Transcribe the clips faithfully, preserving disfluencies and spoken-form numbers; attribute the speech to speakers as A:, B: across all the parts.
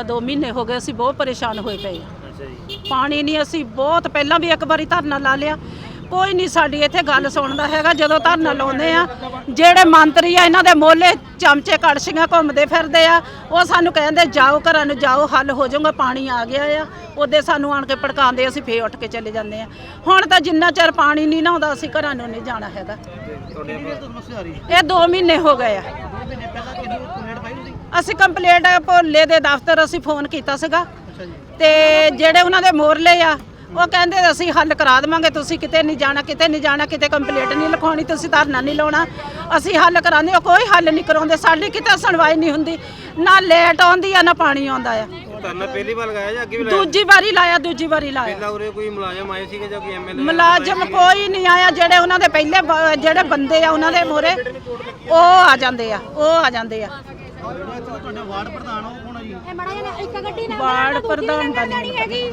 A: ਹੈਗਾ। दो महीने हो गए ਅਸੀਂ ਬਹੁਤ ਪਰੇਸ਼ਾਨ ਹੋਏ ਪਏ ਹਾਂ। ਪਾਣੀ ਨਹੀਂ, ਅਸੀਂ ਬਹੁਤ ਪਹਿਲਾਂ ਵੀ ਇੱਕ ਵਾਰੀ ਧਰਨਾ ਲਾ ਲਿਆ, ਕੋਈ ਨਹੀਂ ਸਾਡੀ ਇੱਥੇ ਗੱਲ ਸੁਣਦਾ ਹੈਗਾ। ਜਦੋਂ ਧਰਨਾ ਲਾਉਂਦੇ ਆ, ਜਿਹੜੇ ਮੰਤਰੀ ਆ ਇਹਨਾਂ ਦੇ ਮੋਹਲੇ ਚਮਚੇ ਕੜਛੀਆਂ ਘੁੰਮਦੇ ਫਿਰਦੇ ਆ, ਉਹ ਸਾਨੂੰ ਕਹਿੰਦੇ ਜਾਓ ਘਰਾਂ ਨੂੰ ਜਾਓ, ਹੱਲ ਹੋ ਜਾਊਗਾ, ਪਾਣੀ ਆ ਗਿਆ ਆ। ਉਹਦੇ ਸਾਨੂੰ ਆਣ ਕੇ ਭੜਕਾਉਂਦੇ, ਅਸੀਂ ਫੇਰ ਉੱਠ ਕੇ ਚਲੇ ਜਾਂਦੇ ਆ। ਹੁਣ ਤਾਂ ਜਿੰਨਾ ਚਿਰ ਪਾਣੀ ਨਹੀਂ ਨਾ ਆਉਂਦਾ ਅਸੀਂ ਘਰਾਂ ਨੂੰ ਨਹੀਂ ਜਾਣਾ ਹੈਗਾ। ਇਹ ਦੋ ਮਹੀਨੇ ਹੋ ਗਏ ਆ। ਅਸੀਂ ਕੰਪਲੇਂਟ ਭੋਲੇ ਦੇ ਦਫ਼ਤਰ ਅਸੀਂ ਫੋਨ ਕੀਤਾ ਸੀਗਾ, ਤੇ ਜਿਹੜੇ ਉਹਨਾਂ ਦੇ ਮੋਹਰਲੇ ਆ ਉਹ ਕਹਿੰਦੇ ਅਸੀਂ ਹੱਲ ਕਰਾ ਦੇਵਾਂਗੇ, ਤੁਸੀਂ ਕਿਤੇ ਨਹੀਂ ਜਾਣਾ, ਕਿਤੇ ਨਹੀਂ ਜਾਣਾ, ਕਿਤੇ ਕੰਪਲੇਂਟ ਨਹੀਂ ਲਿਖਾਉਣੀ, ਤੁਸੀਂ ਧਰਨਾ ਨਹੀਂ ਲਾਉਣਾ, ਅਸੀਂ ਹੱਲ ਕਰਾਉਂਦੇ। ਉਹ ਕੋਈ ਹੱਲ ਨਹੀਂ ਕਰਾਉਂਦੇ, ਸਾਡੀ ਕਿਤੇ ਸੁਣਵਾਈ ਨਹੀਂ ਹੁੰਦੀ, ਨਾ ਲੇਟ ਆਉਂਦੀ ਆ ਨਾ ਪਾਣੀ ਆਉਂਦਾ ਆ।
B: ਧਰਨਾ ਪਹਿਲੀ ਵਾਰ ਲਗਾਇਆ ਜਾਂ ਅੱਗੇ ਵੀ ਲਾਇਆ?
A: ਦੂਜੀ ਵਾਰੀ ਲਾਇਆ, ਦੂਜੀ ਵਾਰੀ ਲਾਇਆ।
B: ਪਹਿਲਾਂ ਉਰੇ ਕੋਈ ਮੁਲਾਜ਼ਮ ਆਏ ਸੀਗੇ ਜਾਂ ਕੋਈ ਐਮਐਲਏ?
A: ਮੁਲਾਜ਼ਮ ਕੋਈ ਨਹੀਂ ਆਇਆ। ਜਿਹੜੇ ਉਹਨਾਂ ਦੇ ਪਹਿਲੇ ਬ- ਜਿਹੜੇ ਬੰਦੇ ਆ ਉਹਨਾਂ ਦੇ ਮੋਹਰੇ ਉਹ ਆ ਜਾਂਦੇ ਆ, ਉਹ ਆ ਜਾਂਦੇ ਆ।
B: ਵਾਰਡ ਪ੍ਰਧਾਨ ਉਹ ਕੌਣ ਆ ਜੀ?
A: ਵਾਰਡ ਪ੍ਰਧਾਨ ਦਾ ਨਹੀਂ ਹੈਗੀ।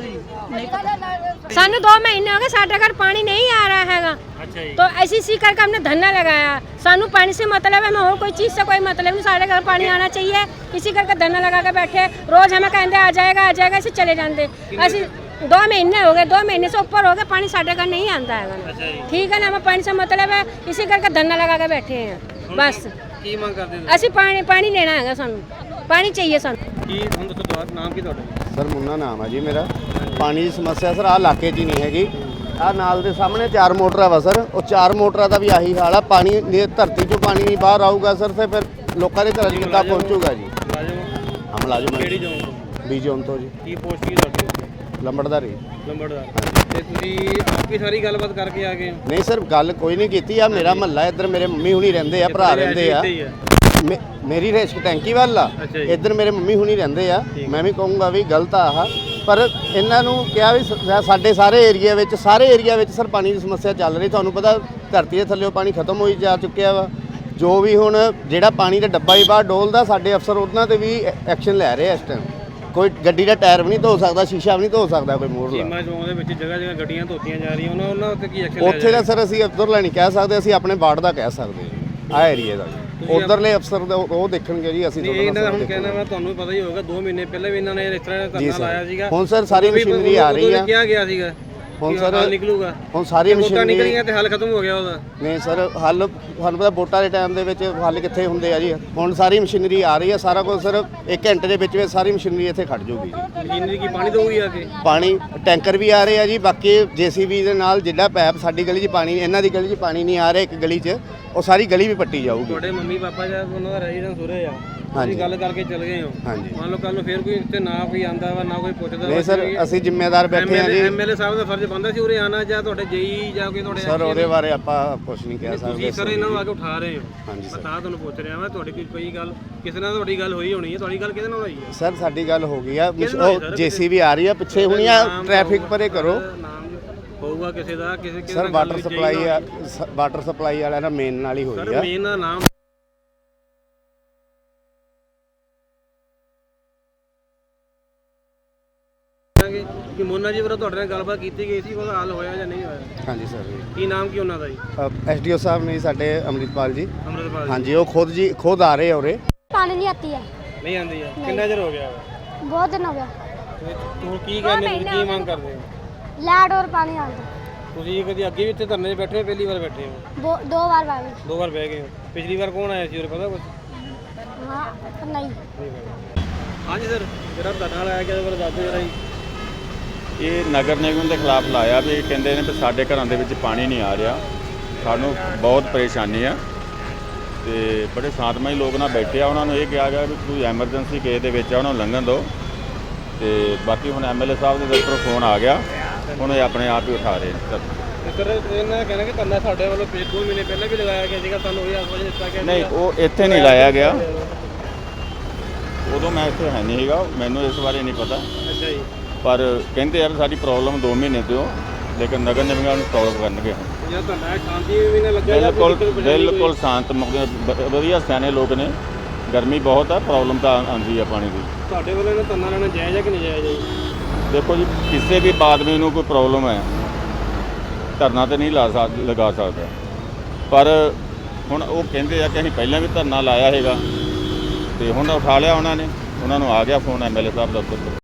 C: सानू दो महीने हो गए, साढ़े घर पानी नहीं आ रहा हैगा।
B: अच्छा जी।
C: तो ऐसी इसी करके हमने धरना लगाया। सानू पानी से मतलब है, मैं और कोई चीज़ से कोई मतलब नहीं, साढ़े घर पानी आना चाहिए, इसी करके धरना लगा के बैठे। रोज हमें कहते आ जाएगा आ जाएगा, ऐसे चले जाते। ऐसे दो महीने हो गए, दो महीने से ऊपर हो गए, पानी साढ़े घर नहीं आता है। ठीक है ना, हमें पानी से मतलब है, इसी करके धरना लगा के बैठे हैं बस।
B: ਕੀ ਮੰਗ ਕਰਦੇ ਹੋ?
C: ਅਸੀਂ ਪਾਣੀ ਪਾਣੀ ਲੈਣਾ ਹੈਗਾ, ਸਾਨੂੰ ਪਾਣੀ ਚਾਹੀਏ ਸਾਨੂੰ।
B: ਕੀ ਹੁਣ ਦੱਸੋ ਤੁਹਾਡਾ ਨਾਮ ਕੀ ਤੁਹਾਡਾ?
D: ਸਰ ਮੁੰਨਾ ਨਾਮ ਆ ਜੀ ਮੇਰਾ। ਪਾਣੀ ਦੀ ਸਮੱਸਿਆ ਸਰ ਆਹ ਇਲਾਕੇ 'ਚ ਹੀ ਨਹੀਂ ਹੈਗੀ। ਆਹ ਨਾਲ ਦੇ ਸਾਹਮਣੇ ਚਾਰ ਮੋਟਰਾਂ ਵਾ ਸਰ, ਉਹ ਚਾਰ ਮੋਟਰਾਂ ਦਾ ਵੀ ਆਹੀ ਹਾਲ ਆ। ਪਾਣੀ ਦੀ ਧਰਤੀ 'ਚੋਂ ਪਾਣੀ ਨਹੀਂ ਬਾਹਰ ਆਊਗਾ ਸਰ, ਤੇ ਫਿਰ ਲੋਕਾਂ ਦੇ ਘਰਾਂ 'ਚ ਕਿੱਦਾਂ ਪਹੁੰਚੂਗਾ ਜੀ?
B: ਮੁਲਾਜ਼ਮ
D: ਹਾਂ ਮੁਲਾਜ਼ਮ
B: ਕਿਹੜੀ ਜ਼ੋਨ ਤੋਂ?
D: ਬੀ ਜ਼ੋਨ ਤੋਂ ਜੀ।
B: ਕੀ ਪੋਸਟ ਕੀ ਤੁਹਾਡੀ?
D: ਲੰਬੜਦਾਰੀ।
B: ਲੰਬੜਦਾਰ। ਤੇ ਤੁਸੀਂ ਆਪਕੀ ਸਾਰੀ ਗੱਲਬਾਤ ਕਰਕੇ ਆ ਗਏ?
D: ਨਹੀਂ ਸਰ ਗੱਲ ਕੋਈ ਨਹੀਂ ਕੀਤੀ। ਆ ਮੇਰਾ ਮਹੱਲਾ ਇੱਧਰ ਮੇਰੇ ਮੰਮੀ ਹੁਣੀ ਰਹਿੰਦੇ ਆ, ਭਰਾ ਰਹਿੰਦੇ ਆ। ਮੇ- ਮੇਰੀ ਰੇਸ਼ਕ ਟੈਂਕੀ ਵੱਲ ਆ, ਇੱਧਰ ਮੇਰੇ ਮੰਮੀ ਹੁਣੀ ਰਹਿੰਦੇ ਆ। ਮੈਂ ਵੀ ਕਹੂੰਗਾ ਵੀ ਗਲਤ ਆ ਆਹ, ਪਰ ਇਹਨਾਂ ਨੂੰ ਕਿਹਾ ਵੀ ਸ- ਸਾਡੇ ਸਾਰੇ ਏਰੀਆ ਵਿੱਚ ਸਾਰੇ ਏਰੀਆ ਵਿੱਚ ਸਰ ਪਾਣੀ ਦੀ ਸਮੱਸਿਆ ਚੱਲ ਰਹੀ। ਤੁਹਾਨੂੰ ਪਤਾ ਧਰਤੀ ਦੇ ਥੱਲੇੋਂ ਪਾਣੀ ਖਤਮ ਹੋਈ ਜਾ ਚੁੱਕਿਆ ਵਾ। ਜੋ ਵੀ ਹੁਣ ਜਿਹੜਾ ਪਾਣੀ ਦਾ ਡੱਬਾ ਹੀ ਬਾਹਰ ਡੋਲਦਾ, ਸਾਡੇ ਅਫਸਰ ਉਹਨਾਂ 'ਤੇ ਵੀ ਐਕਸ਼ਨ ਲੈ ਰਹੇ ਆ ਇਸ ਟਾਈਮ। ਕੋਈ ਗੱਡੀ ਦਾ ਟਾਇਰ ਵੀ ਨਹੀਂ ਧੋ ਸਕਦਾ, ਸ਼ੀਸ਼ਾ ਵੀ ਨਹੀਂ ਧੋ ਸਕਦਾ ਕੋਈ ਮੋਹਰਲਾ।
B: ਸੀਮਾ ਚੌਂਕ ਦੇ ਵਿੱਚ ਜਗ੍ਹਾ ਜਗ੍ਹਾ ਗੱਡੀਆਂ ਧੋਤੀਆਂ ਜਾ ਰਹੀਆਂ, ਉਹਨਾਂ ਉਹਨਾਂ ਉੱਤੇ ਕੀ ਐਕਸ਼ਨ ਲਿਆ
D: ਉੱਥੇ ਦਾ ਸਰ ਅਸੀਂ ਅਫਸਰ ਨਹੀਂ ਕਹਿ ਸਕਦੇ, ਅਸੀਂ ਆਪਣੇ ਵਾਰਡ ਦਾ ਕਹਿ ਸਕਦੇ ਹਾਂ। ਆਹ ਏਰੀਏ ਦਾ ਉਧਰਲੇ ਅਫਸਰ ਦਾ ਉਹ ਦੇਖਣਗੇ ਜੀ। ਅਸੀਂ
B: ਇਹ ਇਹਨਾਂ ਦਾ ਹੁਣ ਕਹਿਣਾ ਵਾ, ਤੁਹਾਨੂੰ ਪਤਾ ਹੀ ਹੋਗਾ ਦੋ ਮਹੀਨੇ ਪਹਿਲਾਂ ਵੀ ਇਹਨਾਂ ਨੇ ਇਸ ਤਰ੍ਹਾਂ ਦਾ ਧਰਨਾ ਲਾਇਆ ਸੀਗਾ।
D: ਹੁਣ ਸਰ ਸਾਰੀ ਮਸ਼ੀਨਰੀ ਆ ਰਹੀ ਆ।
B: ਕਿਹਾ ਗਿਆ ਸੀਗਾ
D: ਹੁਣ ਸਰ
B: ਹੱਲ ਨਿਕਲੂਗਾ।
D: ਹੁਣ ਸਾਰੀ
B: ਵੋਟਾਂ
D: ਮਸ਼ੀਨਰੀ
B: ਨਿਕਲੀਆਂ ਤੇ ਹੱਲ ਖਤਮ ਹੋ ਗਿਆ ਉਹਦਾ।
D: ਨਹੀਂ ਸਰ ਹੱਲ ਤੁਹਾਨੂੰ ਪਤਾ ਵੋਟਾਂ ਦੇ ਟਾਈਮ ਦੇ ਵਿੱਚ ਹੱਲ ਕਿੱਥੇ ਹੁੰਦੇ ਆ ਜੀ। ਹੁਣ ਸਾਰੀ ਮਸ਼ੀਨਰੀ ਆ ਰਹੀ ਆ, ਸਾਰਾ ਕੁਝ ਸਰ ਇੱਕ ਘੰਟੇ ਦੇ ਵਿੱਚ ਵਿੱਚ ਸਾਰੀ ਮਸ਼ੀਨਰੀ ਇੱਥੇ ਖੜ ਜਾਊਗੀ ਜੀ।
B: ਮਸ਼ੀਨਰੀ ਕੀ ਪਾਣੀ ਦਊਗੀ ਆ ਕੇ?
D: ਪਾਣੀ ਟੈਂਕਰ ਵੀ ਆ ਰਹੇ ਆ ਜੀ। ਬਾਕੀ ਜੇਸੀਬੀ ਦੇ ਨਾਲ ਜਿਹੜਾ ਪੈਪ ਸਾਡੀ ਗਲੀ 'ਚ ਪਾਣੀ, ਇਹਨਾਂ ਦੀ ਗਲੀ 'ਚ ਪਾਣੀ ਨਹੀਂ ਆ ਰਿਹਾ ਇੱਕ ਗਲੀ 'ਚ, ਉਹ ਸਾਰੀ ਗਲੀ ਵੀ ਪੱਟੀ ਜਾਊਗੀ।
B: ਤੁਹਾਡੇ ਮੰਮੀ ਪਾਪਾ ਜਾਂ ਉਹਨਾਂ ਦਾ ਰੈਜ਼ੀਡੈਂਸ ਉਰੇ ਆ, ਤੁਸੀਂ ਗੱਲ ਕਰਕੇ ਚਲ ਗਏ ਹੋ।
D: ਹਾਂਜੀ।
B: ਮੰਨ ਲਓ ਕੱਲ ਨੂੰ ਫੇਰ ਕੋਈ ਇੱਥੇ ਨਾ ਕੋਈ ਆਂਦਾ ਵਾ, ਨਾ ਕੋਈ ਪੁੱਛਦਾ
D: ਨਹੀਂ ਸਰ ਅਸੀਂ ਜ਼ਿੰਮੇਦਾਰ ਬੈਠੇ ਆ ਜੀ।
B: ਐਮਐਲਏ ਸਾਹਿਬ ਦਾ ਫਰਜ਼ ਬਣਦਾ ਸੀ ਉਰੇ ਆਣਾ, ਜਾਂ ਤੁਹਾਡੇ ਜੇਈ ਜਾਂ ਕੋਈ ਤੁਹਾਡੇ
D: ਸਰ ਉਹਦੇ ਬਾਰੇ ਆਪਾਂ ਕੁਝ ਨਹੀਂ ਕਹਿ ਸਕਦੇ।
B: ਤੁਸੀਂ ਸਰ ਇਹਨਾਂ ਨੂੰ ਆ ਕੇ ਉਠਾ ਰਹੇ ਹੋ।
D: ਹਾਂਜੀ
B: ਮੈਂ
D: ਸਰ।
B: ਤਾਂ ਤੁਹਾਨੂੰ ਪੁੱਛ ਰਿਹਾ ਮੈਂ, ਤੁਹਾਡੀ ਕੋਈ ਕੋਈ ਗੱਲ ਕਿਸੇ ਨਾਲ ਤੁਹਾਡੀ ਗੱਲ ਹੋਈ ਹੋਣੀ ਹੈ। ਤੁਹਾਡੀ ਗੱਲ ਕਿਹਦੇ ਨਾਲ ਹੋਈ ਹੈ?
D: ਸਰ ਸਾਡੀ ਗੱਲ ਹੋ ਗਈ ਆ।
B: ਕਿਹਦੇ ਨਾਲ ਹੋਈ ਸਰ?
D: ਜੇਸੀਬੀ ਆ ਰਹੀ ਆ ਪਿੱਛੇ ਹੁਣੀ ਆ, ਟ੍ਰੈਫਿਕ ਪਰੇ ਕਰੋ।
B: ਨਾਮ ਹੋਊਗਾ ਕਿਸੇ ਦਾ, ਕਿਸੇ ਕਿਸੇ
D: ਸਰ
B: ਨਾਲ
D: ਵਾਟਰ
B: ਗੱਲ ਹੋਈ,
D: ਸਪਲਾਈ ਆ,
B: ਜੇਈ
D: ਸ- ਵਾਟਰ ਸਪਲਾਈ ਵਾਲਿਆਂ ਨਾਲ ਮੇਨ ਨਾਲ ਹੀ
B: ਨਾਲ।
D: ਹੋਈ
B: ਸਰ
D: ਆ।
B: ਮੇਨ ਦਾ ਨਾਮ ਕਿ ਮੋਨਾ ਜੀ ਵੱਲੋਂ ਤੁਹਾਡੇ ਨਾਲ ਗੱਲਬਾਤ ਕੀਤੀ ਗਈ ਸੀ, ਉਹਦਾ ਹੱਲ ਹੋਇਆ ਜਾਂ ਨਹੀਂ ਹੋਇਆ?
D: ਹਾਂਜੀ ਸਰ ਜੀ।
B: ਕੀ ਨਾਮ ਕੀ ਉਹਨਾਂ ਦਾ ਜੀ?
D: ਐਸਡੀਓ ਸਾਹਿਬ ਨੇ ਸਾਡੇ ਅੰਮ੍ਰਿਤਪਾਲ ਜੀ।
B: ਅੰਮ੍ਰਿਤਪਾਲ ਜੀ।
D: ਹਾਂਜੀ ਉਹ ਖੁਦ ਜੀ ਖੁਦ ਆ ਰਹੇ ਆ ਉਰੇ।
E: पानी नहीं आती है,
B: ਨਹੀਂ ਆਂਦੀ ਆ? ਕਿੰਨਾ ਚਿਰ ਹੋ ਗਿਆ?
E: बहुत दिन हो गया।
B: ਤੇ ਤੂੰ ਕੀ ਕਹਿੰਦੇ ਹੋ, ਕੀ ਮੰਗ ਕਰਦੇ ਹੋ?
E: लाड और पानी आ गया।
B: ਤੁਸੀਂ ਕਦੀ ਅੱਗੇ ਵੀ ਇੱਥੇ ਧਰਨੇ 'ਤੇ ਬੈਠੇ ਹੋ, ਪਹਿਲੀ ਵਾਰ ਬੈਠੇ ਹੋ?
E: दो दो बार भाभी।
B: ਦੋ ਵਾਰ ਬਹਿ ਗਏ ਹੋ। ਪਿਛਲੀ ਵਾਰ ਕੌਣ ਆਇਆ ਸੀ ਉਰੇ, ਪਤਾ ਕੁਝ?
E: हाँ नहीं।
B: ਹਾਂਜੀ ਸਰ, ਜਿਹੜਾ ਧਰਨਾ ਲਾਇਆ ਗਿਆ ਉਹਦੇ ਬਾਰੇ ਦੱਸ ਦਿਓ ਜਰਾ ਜੀ।
F: ਇਹ ਨਗਰ ਨਿਗਮ ਦੇ ਖਿਲਾਫ ਲਾਇਆ ਵੀ ਕਹਿੰਦੇ ਨੇ ਵੀ ਸਾਡੇ ਘਰਾਂ ਦੇ ਵਿੱਚ ਪਾਣੀ ਨਹੀਂ ਆ ਰਿਹਾ, ਸਾਨੂੰ ਬਹੁਤ ਪਰੇਸ਼ਾਨੀ ਆ। ਤੇ ਬੜੇ ਸ਼ਾਂਤਮਈ ਲੋਕ ਨਾਲ ਬੈਠੇ ਆ। ਉਹਨਾਂ ਨੂੰ ਇਹ ਕਿਹਾ ਗਿਆ ਵੀ ਕੋਈ ਐਮਰਜੈਂਸੀ ਕੇਸ ਦੇ ਵਿੱਚ ਆ, ਉਹਨਾਂ ਨੂੰ ਲੰਘਣ ਦਿਓ। ਤੇ ਬਾਕੀ ਹੁਣ ਐਮਐਲਏ ਸਾਹਿਬ ਦੇ ਦਫ਼ਤਰੋਂ ਫੋਨ ਆ ਗਿਆ, ਹੁਣ ਇਹ ਆਪਣੇ ਆਪ ਹੀ ਉਠਾ ਰਹੇ ਨੇ।
B: ਤੇ ਸਰ ਇਹਨਾਂ ਦਾ ਕਹਿਣਾ ਕਿ ਧਰਨਾ ਸਾਡੇ ਵੱਲੋਂ ਪੇ ਦੋ ਮਹੀਨੇ ਪਹਿਲਾਂ ਵੀ ਲਗਾਇਆ ਗਿਆ ਸੀਗਾ, ਸਾਨੂੰ ਇਹ ਆਸਵਾਜ ਦਿੱਤਾ ਗਿਆ
F: ਨਹੀਂ ਉਹ ਇੱਥੇ ਨਹੀਂ ਲਾਇਆ ਗਿਆ, ਉਦੋਂ ਮੈਂ ਇੱਥੇ ਹੈ ਨਹੀਂ ਸੀਗਾ, ਮੈਨੂੰ ਇਸ ਬਾਰੇ ਨਹੀਂ ਪਤਾ।
B: ਅੱਛਾ ਜੀ।
F: ਪਰ ਕਹਿੰਦੇ ਆ ਵੀ ਸਾਡੀ ਪ੍ਰੋਬਲਮ ਦੋ ਮਹੀਨੇ ਤੋਂ, ਲੇਕਿਨ ਨਗਰ ਨਿਗਮ ਨੂੰ ਸੋਲਵ ਕਰਨਗੇ।
B: ਜਾਂ ਧਰਨਾ ਸ਼ਾਂਤੀ ਵੀ ਨਾ ਲੱਗਿਆ?
F: ਬਿਲਕੁਲ ਬਿਲਕੁਲ ਸ਼ਾਂਤ ਵਧੀਆ ਸਿਆਣੇ ਲੋਕ ਨੇ। ਗਰਮੀ ਬਹੁਤ ਆ, ਪ੍ਰੋਬਲਮ ਤਾਂ ਆਉਂਦੀ ਆ ਪਾਣੀ ਦੀ।
B: ਤੁਹਾਡੇ ਵੱਲੋਂ ਇਹਨਾਂ ਧਰਨਾ ਲੈਣਾ ਜਾਇਜ਼ ਹੈ ਕਿ ਨਹੀਂ ਜਾਇਜ਼ ਹੈ ਜੀ?
F: ਦੇਖੋ ਜੀ ਕਿਸੇ ਵੀ ਆਦਮੀ ਨੂੰ ਕੋਈ ਪ੍ਰੋਬਲਮ ਹੈ ਧਰਨਾ ਤੇ ਨਹੀਂ ਲਾ ਸਕ ਲਗਾ ਸਕਦਾ, ਪਰ ਹੁਣ ਉਹ ਕਹਿੰਦੇ ਆ ਕਿ ਅਸੀਂ ਪਹਿਲਾਂ ਵੀ ਧਰਨਾ ਲਾਇਆ ਹੈਗਾ ਤੇ ਹੁਣ ਉਠਾ ਲਿਆ ਉਹਨਾਂ ਨੇ। ਉਹਨਾਂ ਨੂੰ ਆ ਗਿਆ ਫੋਨ ਐਮਐਲਏ ਸਾਹਿਬ ਦਫ਼ਤਰ ਤੋਂ।